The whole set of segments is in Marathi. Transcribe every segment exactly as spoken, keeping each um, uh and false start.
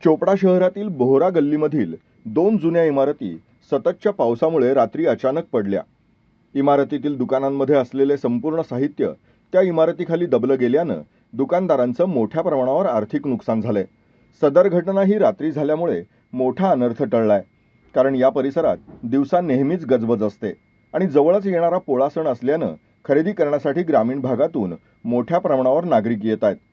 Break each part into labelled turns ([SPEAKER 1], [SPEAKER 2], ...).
[SPEAKER 1] चोपडा शहरातील बोहरा गल्लीमधील दोन जुन्या इमारती सततच्या पावसामुळे रात्री अचानक पडल्या। इमारतीतील दुकानांमध्ये असलेले संपूर्ण साहित्य त्या इमारतीखाली दबलं गेल्यानं दुकानदारांचं मोठ्या प्रमाणावर आर्थिक नुकसान झालंय। सदर घटना ही रात्री झाल्यामुळे मोठा अनर्थ टळलाय, कारण या परिसरात दिवसा नेहमीच गजबज असते आणि जवळच येणारा पोळा सण असल्यानं खरेदी करण्यासाठी ग्रामीण भागातून मोठ्या प्रमाणावर नागरिक येत आहेत।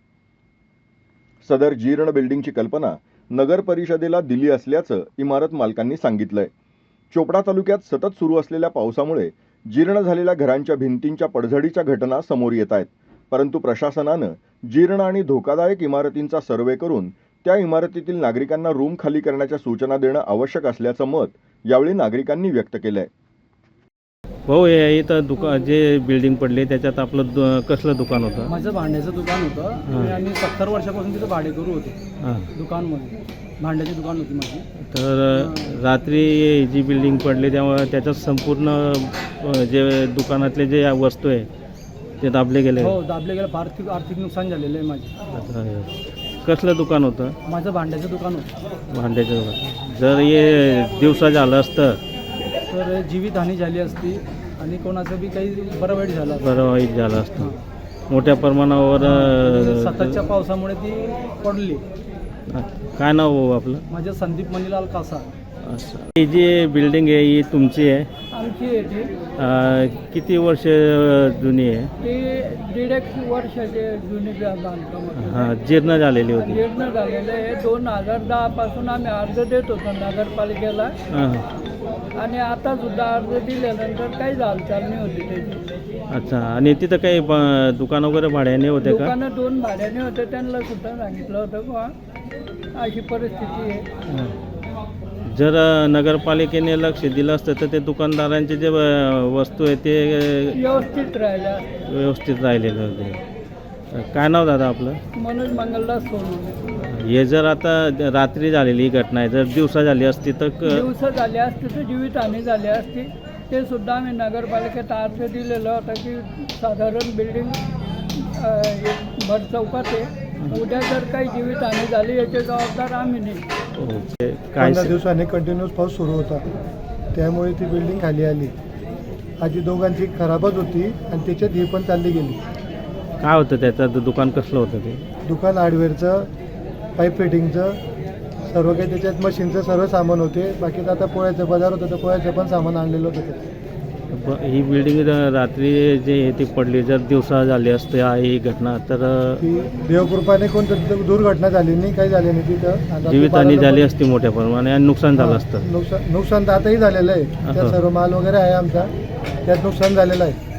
[SPEAKER 1] सदर जीर्ण बिल्डिंगची कल्पना नगर परिषदेला दिली असल्याचं इमारत मालकांनी सांगितलंय। चोपडा तालुक्यात सतत सुरू असलेल्या पावसामुळे जीर्ण झालेल्या घरांच्या भिंतींच्या पडझडीच्या घटना समोर येत आहेत, परंतु प्रशासनानं जीर्ण आणि धोकादायक इमारतींचा सर्वे करून त्या इमारतीतील नागरिकांना रूम खाली करण्याच्या सूचना देणं आवश्यक असल्याचं मत यावेळी नागरिकांनी व्यक्त केलंय।
[SPEAKER 2] भाऊ, हे इथं दुकान जे बिल्डिंग पडली त्याच्यात आपलं दु- कसलं दुकान होतं?
[SPEAKER 3] माझं भांड्याचं दुकान होतं आणि सत्तर वर्षापासून तिथं भाडेकरू होते
[SPEAKER 2] हां,
[SPEAKER 3] दुकानमध्ये भांड्याची दुकान होती माझी।
[SPEAKER 2] तर रात्री जी बिल्डिंग पडली तेव्हा त्याच्यात संपूर्ण अ, जे दुकानातले जे वस्तू आहे ते दाबले गेले।
[SPEAKER 3] हो, दाबले गेलं, आर्थिक आर्थिक नुकसान झालेलं आहे माझे।
[SPEAKER 2] आता कसलं दुकान होतं?
[SPEAKER 3] माझं भांड्याचं दुकान होतं।
[SPEAKER 2] भांड्याचं दुकान। जर हे दिवसा झालं असतं
[SPEAKER 3] तर जीवितहानी झाली असती आणि कोणाचं बी काही बरं वाईट झालं असतं।
[SPEAKER 2] बरं वाईट झालं असतं। मोठ्या प्रमाणावर अ,
[SPEAKER 3] सततच्या पावसामुळे ती पडली।
[SPEAKER 2] काय नाव भाऊ आपलं?
[SPEAKER 3] माझं संदीप मणिलाल कासा।
[SPEAKER 2] असं, ही जी बिल्डिंग आहे ही तुमची आहे?
[SPEAKER 3] आमची आहे ती
[SPEAKER 2] अ, किती वर्ष जुनी आहे?
[SPEAKER 3] ती दीड एक वर्षाचे जुनी बांधकाम होतं।
[SPEAKER 2] हां, जीर्ण झालेली होती।
[SPEAKER 3] जीर्ण झालेलं आहे। दोन हजार दहा पासून आम्ही अर्ज देत होतो नगरपालिकेला
[SPEAKER 2] हां,
[SPEAKER 3] आणि आता सुद्धा अर्ज दिल्यानंतर काही हालचाल नाही होती त्याची।
[SPEAKER 2] अच्छा। आणि तिथं काही ब- दुकान वगैरे भाड्याने होते का?
[SPEAKER 3] दुकानं दोन भाड्याने होते, त्यांना सुद्धा सांगितलं होतं बुवा अशी परिस्थिती आहे।
[SPEAKER 2] हां. जर अ, नगरपालिकेने लक्ष दिलं असतं तर ते दुकानदारांचे जे अ, वस्तू आहे ते अ,
[SPEAKER 3] व्यवस्थित राहिला।
[SPEAKER 2] व्यवस्थित राहिलेले होते। काय नाव दादा आपलं?
[SPEAKER 3] मनोज मंगलदास सोनवणे।
[SPEAKER 2] हे जर आता रात्री झालेली ही घटना आहे, जर दिवसा झाली असती तर क-
[SPEAKER 3] दिवस झाले असते तर जीवितहानी झाली असती। ते सुद्धा आम्ही नगरपालिकेत अर्ज दिलेला होता की साधारण बिल्डिंग भर चौकात आहे, उद्या जर काही जीवितहानी झाली याचे जबाबदार आम्ही नाही।
[SPEAKER 2] हो, ते काय
[SPEAKER 4] पंधरा दिवसांनी कंटिन्यूस पाऊस सुरू होता, त्यामुळे ती बिल्डिंग खाली आली। आधी दोघांची खराबच होती आणि त्याच्यात ही पण चालली गेली।
[SPEAKER 2] काय होतं त्याचं दुकान कसलं होतं ते?
[SPEAKER 4] दुकान हार्डवेअरचं, पाईप फिटिंगचं, सर्व काही त्याच्यात मशीनचं सर्व सामान होते। बाकी आता पोळ्याचं बाजार होतं तर पोळ्याचं पण सामान आणलेलं होतं त्याच्यात।
[SPEAKER 2] ब- ही बिल्डिंग रात्री जे आहे ती पडली, जर दिवसा झाली असते ही घटना तर अ,
[SPEAKER 4] ती देवकृपाने कोणतं दुर्घटना झाली नाही, काही झाली नाही तिथं। आता ते
[SPEAKER 2] जीवितहानी
[SPEAKER 4] बारा
[SPEAKER 2] झाली
[SPEAKER 4] लोकं-
[SPEAKER 2] असती मोठ्या प्रमाणात आणि नुकसान झालं असतं।
[SPEAKER 4] नुकसान नुकसान तर आताही झालेलं आहे, त्यात
[SPEAKER 2] असं.
[SPEAKER 4] सर्व माल वगैरे आहे आमचा, त्यात नुकसान झालेलं आहे।